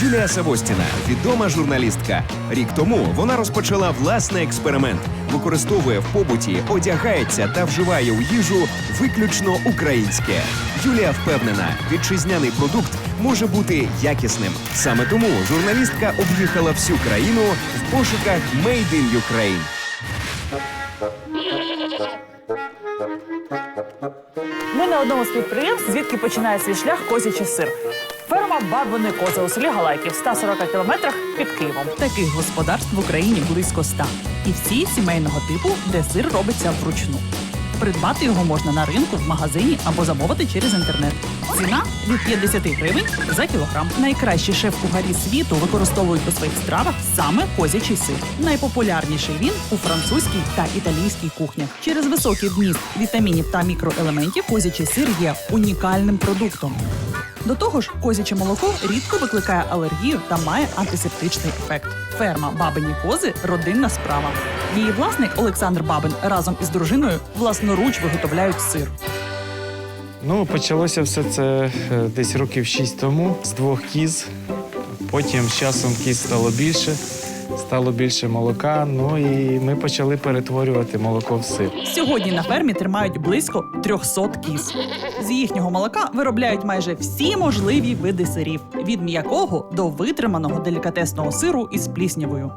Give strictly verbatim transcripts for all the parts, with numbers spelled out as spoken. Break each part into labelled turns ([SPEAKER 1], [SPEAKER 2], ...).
[SPEAKER 1] Юлія Савостіна – відома журналістка. Рік тому вона розпочала власний експеримент. Використовує в побуті, одягається та вживає у їжу виключно українське. Юлія впевнена, вітчизняний продукт може бути якісним. Саме тому журналістка об'їхала всю країну в пошуках «Made in Ukraine».
[SPEAKER 2] Ми на одному з підприємств, звідки починає свій шлях козячий сир. Ферма «Бабині кози» у селі Галайки в ста сорока кілометрах під Києвом.
[SPEAKER 3] Таких господарств в Україні близько ста. І всі сімейного типу, де сир робиться вручну. Придбати його можна на ринку, в магазині або замовити через інтернет. Ціна – від п'ятдесят гривень за кілограм. Найкращі шеф-кухарі світу використовують у своїх стравах саме козячий сир. Найпопулярніший він у французькій та італійській кухнях. Через високий вміст вітамінів та мікроелементів козячий сир є унікальним продуктом. До того ж, козяче молоко рідко викликає алергію та має антисептичний ефект. Ферма «Бабині кози» – родинна справа. Її власник Олександр Бабин разом із дружиною власноруч виготовляють сир.
[SPEAKER 4] Ну, почалося все це е, десь років шість тому з двох кіз. Потім з часом кіз стало більше, стало більше молока. Ну і ми почали перетворювати молоко в сир.
[SPEAKER 3] Сьогодні на фермі тримають близько трьохсот кіз. З їхнього молока виробляють майже всі можливі види сирів – від м'якого до витриманого делікатесного сиру із пліснявою.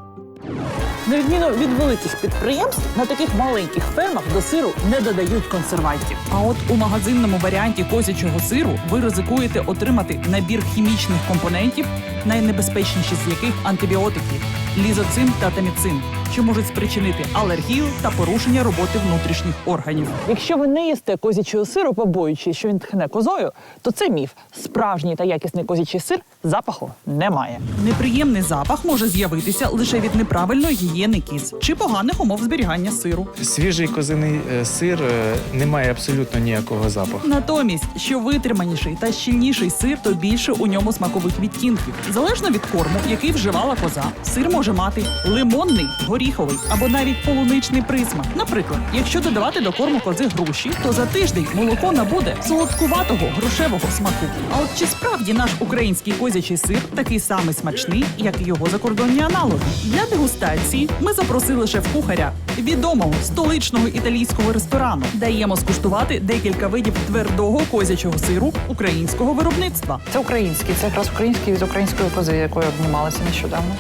[SPEAKER 2] На відміну від великих підприємств, на таких маленьких фермах до сиру не додають консервантів.
[SPEAKER 3] А от у магазинному варіанті козячого сиру ви ризикуєте отримати набір хімічних компонентів, найнебезпечніші з яких антибіотики – лізоцин та таміцин, що можуть спричинити алергію та порушення роботи внутрішніх органів.
[SPEAKER 2] Якщо ви не їсте козячого сиру, побоюючись, що він тхне козою, то це міф. Справжній та якісний козячий сир запаху немає.
[SPEAKER 3] Неприємний запах може з'явитися лише від неправильної гігієни кіз чи поганих умов зберігання сиру.
[SPEAKER 4] Свіжий козиний е, сир е, не має абсолютно ніякого запаху.
[SPEAKER 3] Натомість, що витриманіший та щільніший сир, то більше у ньому смакових відтінків. Залежно від корму, який вживала коза, сир може мати лимонний, горіховий або навіть полуничний присмак. Наприклад, якщо додавати до корму кози груші, то за тиждень молоко набуде солодкуватого грушевого смаку. А от чи справді наш український козячий сир такий самий смачний, як і його закордонні аналоги? Для дегустації ми запросили шеф-кухаря відомого столичного італійського ресторану. Даємо скуштувати декілька видів твердого козячого сиру українського виробництва.
[SPEAKER 2] Це український, це якраз український від української кози, якою обнімалася нещодавно.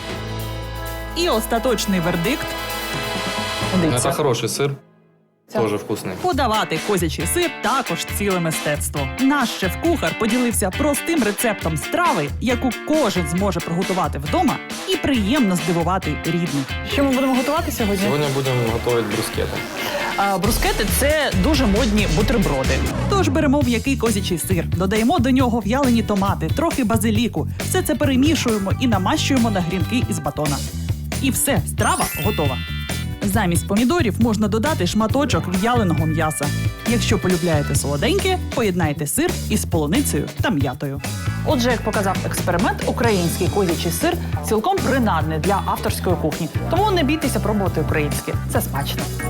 [SPEAKER 3] І остаточний вердикт
[SPEAKER 2] Дивіться.
[SPEAKER 5] Это хороший сыр,
[SPEAKER 2] Це-
[SPEAKER 5] тоже вкусный.
[SPEAKER 3] – подавати козячий сир також ціле мистецтво. Наш шеф-кухар поділився простим рецептом страви, яку кожен зможе приготувати вдома і приємно здивувати рідних.
[SPEAKER 2] Що ми будемо готувати сьогодні?
[SPEAKER 5] Сегодня будем готовить брускеты.
[SPEAKER 2] А, брускети – це дуже модні бутерброди.
[SPEAKER 3] Тож беремо м'який козячий сир, додаємо до нього в'ялені томати, трохи базиліку. Все це перемішуємо і намащуємо на грінки із батона. І все, страва готова. Замість помідорів можна додати шматочок в'яленого м'яса. Якщо полюбляєте солоденьке, поєднайте сир із полуницею та м'ятою.
[SPEAKER 2] Отже, як показав експеримент, український козячий сир цілком принадний для авторської кухні. Тому не бійтеся пробувати українське. Це смачно.